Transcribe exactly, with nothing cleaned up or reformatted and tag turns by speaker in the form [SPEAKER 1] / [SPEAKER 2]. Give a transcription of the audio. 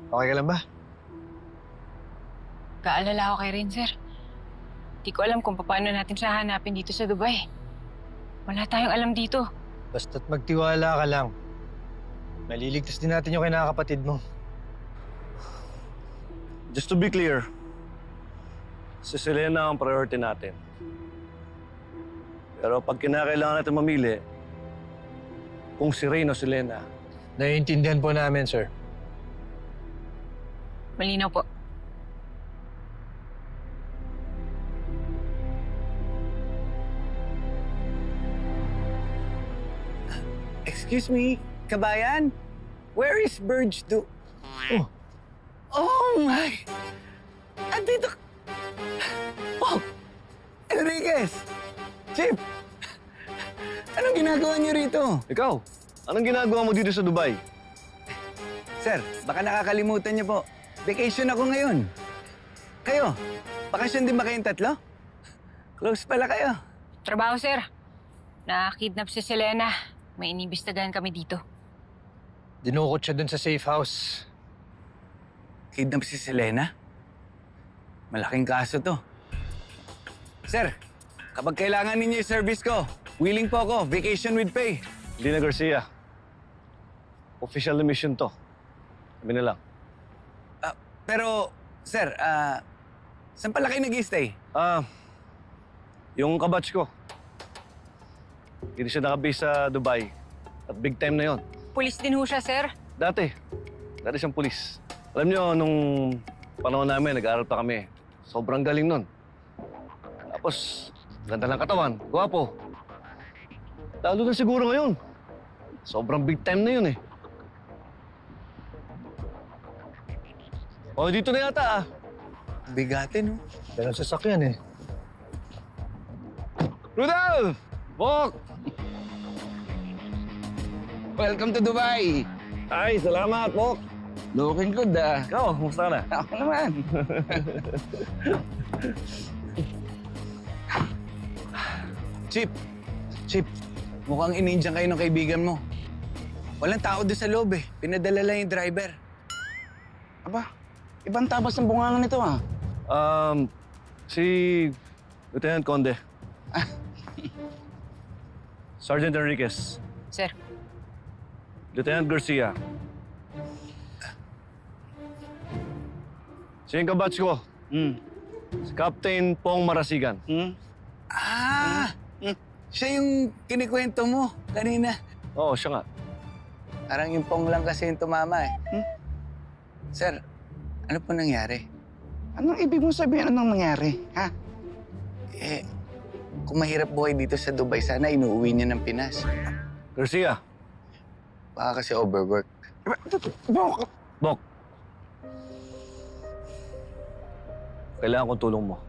[SPEAKER 1] Okay ka lang ba?
[SPEAKER 2] Kaalala ako kay Rin, sir. Di ko alam kung paano natin siya hanapin dito sa Dubai. Wala tayong alam dito.
[SPEAKER 1] Basta't magtiwala ka lang. Naliligtas din natin yung kinakapatid mo.
[SPEAKER 3] Just to be clear, si Selena ang priority natin. Pero pag kinakailangan natin mamili, kung si Rain o si Selena,
[SPEAKER 1] Naiintindihan po namin, sir.
[SPEAKER 2] Malinaw po.
[SPEAKER 4] Excuse me, kabayan? Where is Burge do?
[SPEAKER 1] Oh.
[SPEAKER 4] Oh my! Andito! Oh! Enriquez! Chip! Anong ginagawa niyo rito?
[SPEAKER 3] ikaw, anong ginagawa mo dito sa Dubai?
[SPEAKER 4] Sir, baka nakakalimutan niyo po. Vacation ako ngayon. Kayo, bakasyon din ba kayong tatlo? Close pala kayo.
[SPEAKER 2] Trabaho, sir. Na-kidnap si Selena. May inibistagahan kami dito.
[SPEAKER 1] Dinukot siya dun sa safe house.
[SPEAKER 4] Kidnap si Selena? Malaking kaso to. Sir, kapag kailangan ninyo yung service ko, willing po ako, vacation with pay.
[SPEAKER 3] Lina Garcia, official na mission to. Sabi na lang.
[SPEAKER 4] Ah, pero, sir, ah, saan pala kayo nag-stay?
[SPEAKER 3] Ah, yung kabatch ko. Hindi siya nakabase sa Dubai. At big time na yon.
[SPEAKER 2] Pulis din ho siya, sir.
[SPEAKER 3] Dati. Dati siyang pulis. Alam niyo, nung panahon namin, nag-aaral pa kami. Sobrang galing nun. Tapos, ganda ng katawan, gwapo. Lalo na siguro ngayon. Sobrang big time na yun eh. O, dito na yata ah.
[SPEAKER 4] Bigatin, no?
[SPEAKER 1] Pero sasakyan eh.
[SPEAKER 3] Rudolph! Bok!
[SPEAKER 4] Welcome to Dubai!
[SPEAKER 3] Ay, salamat, Bok!
[SPEAKER 4] Looking good, ah.
[SPEAKER 3] Ikaw, kumusta ka na?
[SPEAKER 4] Ako naman. Chip, Chip, mukhang inindiyan kayo ng kaibigan mo. Walang tao doon sa loob eh. Pinadala lang yung driver.
[SPEAKER 5] Aba, ibang tabas ng bungangan nito ah.
[SPEAKER 3] Um, si Lieutenant Conde. Sergeant Enriquez.
[SPEAKER 2] Sir,
[SPEAKER 3] Lieutenant Garcia. Siya yung kabatch ko.
[SPEAKER 5] Hmm.
[SPEAKER 3] Si Captain Pong Marasigan.
[SPEAKER 5] Hmm?
[SPEAKER 4] Ah! Siya yung kinikwento mo kanina.
[SPEAKER 3] Oo, siya nga.
[SPEAKER 4] Parang yung pong lang kasi yung tumama eh.
[SPEAKER 5] Hmm?
[SPEAKER 4] Sir, ano po nangyari?
[SPEAKER 5] Anong ibig mo sabihin? Anong nangyari? Ha?
[SPEAKER 4] Eh, kung mahirap buhay dito sa Dubai, sana inuuwi niya ng Pinas.
[SPEAKER 3] Garcia.
[SPEAKER 4] Baka kasi overwork.
[SPEAKER 5] Bok,
[SPEAKER 3] Bok. Kailangan kong tulong mo.